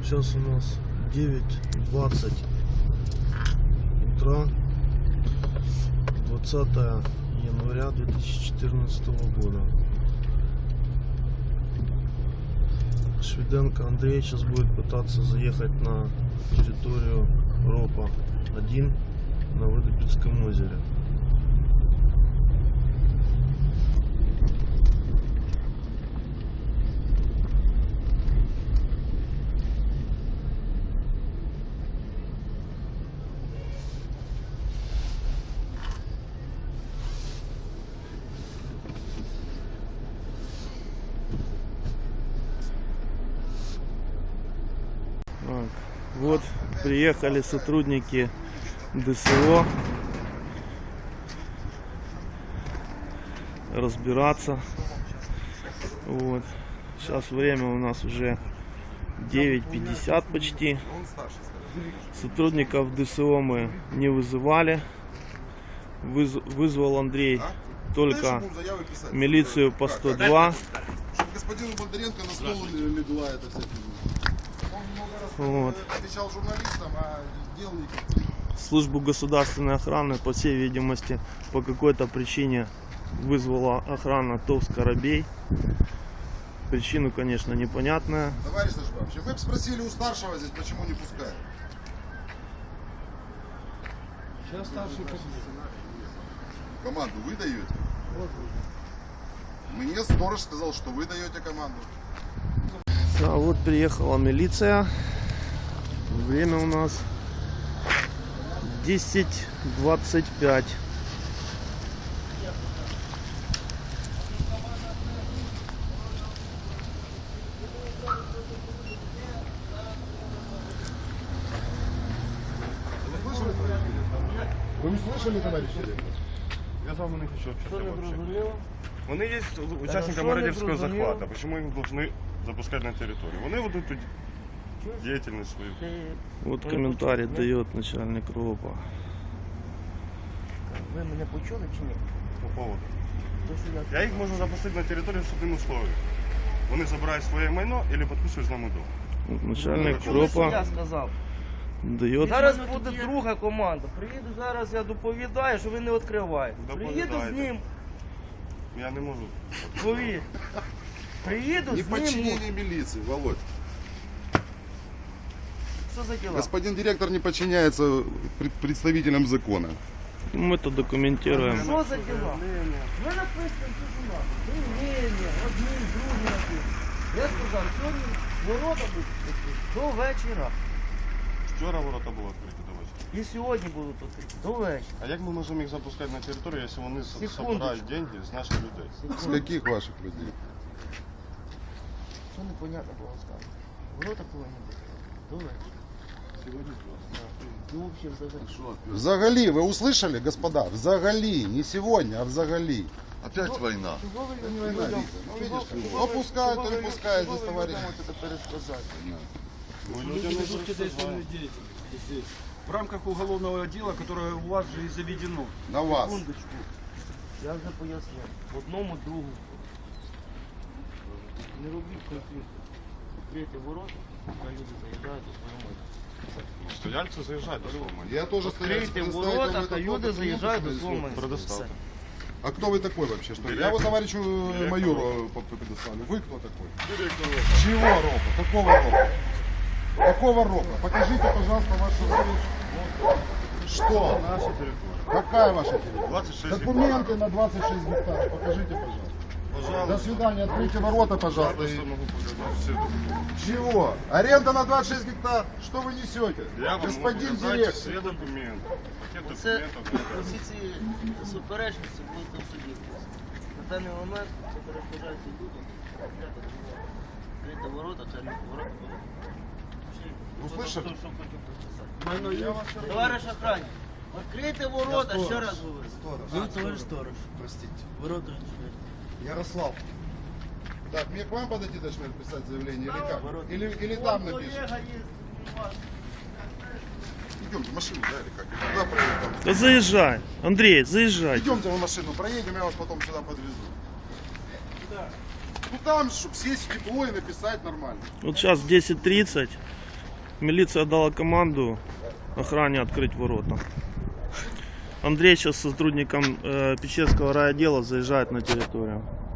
Сейчас у нас 9:20 утра, 20 января 2014 года. Швиденко Андрей сейчас будет пытаться заехать на территорию РОПа 1 на Выдопецком озере. Вот приехали сотрудники ДСО разбираться. Вот. Сейчас время у нас уже 9:50 почти. Сотрудников ДСО мы не вызывали. Вызвал Андрей только милицию по 102. Господину Бондаренко на стол легла эта вся фигня. Он много раз отвечал журналистам, а дел никаких. Службу государственной охраны, по всей видимости, по какой-то причине вызвала охрана ТОВ «Скоробей». Причину, конечно, непонятная. Товарищ Нажбавович, вы бы спросили у старшего здесь, почему не пускают. Сейчас старший Команду вы даете? Мне сторож сказал, что вы даете команду. А вот приехала милиция. Время у нас 10:25. Вы не слышали, товарищ директор? Я с вами не хочу общаться вообще. Вони є учасниками радівського захвату. Почему их должны запускать на территорию? Вони ведуть тут деятельность свою. Вот комментарий дает начальник РОПа. Ви мене почули чи ні? По поводу. То, що Я їх можу запустити на територію з одним условием. Вони забирають своє майно або підписують з нами договір. Вот начальник Я РОПа сказав. дает. Зараз буде друга команда. Приїду зараз, я доповідаю, що ви не відкриваєте. Приїду з Доповідайте. ним, Я не можу. повір. Приїду Не з ним. подчинение милиции, Володь. Що за діла? Господин директор не подчиняется представителям закона. Мы-то документируем. Що за діла? Ви написано, що у нас. Привілення, одні, другі написано. Я сказав, сьогодні ворота будуть відкриті до вечора. Вчора ворота були відкриті до вечора. І сьогодні будуть відкриті до вечора. А як ми можемо їх запускати на територію, якщо вони Секундочку. збирають деньги з наших людей? С каких ваших людей? Що непонятно було сказано. Ворота повинні бути до вечора. Сьогодні Ну, взагалі, взагалі. Взагалі, вы услышали, господа? Взагалі, не сегодня, а взагалі. Опять война. Чого ви Ну, людям? видишь, то пускают, то не пускают, здесь товарищ. Це пересказати. В рамках уголовного дела, которое у вас же и заведено. На вас. Секундочку. Я вже пояснив. Одному другу. Не робіть конфлікту. Відкрийте ворота, хай люди заїжджають до свого майна. Стояльці заїжджають до свого майна. Я тоже Відкрийте ворота, хай люди заїжджають до свого майна. Предоставте. А кто вы такой вообще? Что? Я вот товарищу майору предоставлю. Вы кто такой? Чего ропа? Какого ропа? Какого ропа? Покажите, пожалуйста, вашу... Что? Наша територія. Какая ваша территория? 26 Документы на 26 гектаров. Покажите, пожалуйста. Пожалуйста. До свидания. Откройте ворота, пожалуйста. Просто могу показати всі документи. Чего? Аренда на 26 гектар? Что вы несете? Я вам Господин можу показати директор. всі документи. Пакет Це документів. всі ці суперечності будуть на суді. На даний момент це перешкоджається людям. Відкрити ворота, це не ворота. Услышали? Товариш охранник, відкрийте ворота, ще раз говорю. Ви товариш сторож. Простите. Ворота відкрийте. Ярослав. Так, мне к вам подойти точно написать заявление или как? Или там напишем? Колега є у вас. Идемте, машину, да, или как? Куда проедем? Да заезжай, Андрей, заезжай. Идемте в машину, проедем, я вас потом сюда подвезу. Ну там, чтобы сесть в тепло и написать нормально. Вот сейчас 10:30. Милиция дала команду охране открыть ворота. Андрей сейчас с сотрудником Печерского райотдела заезжает на территорию.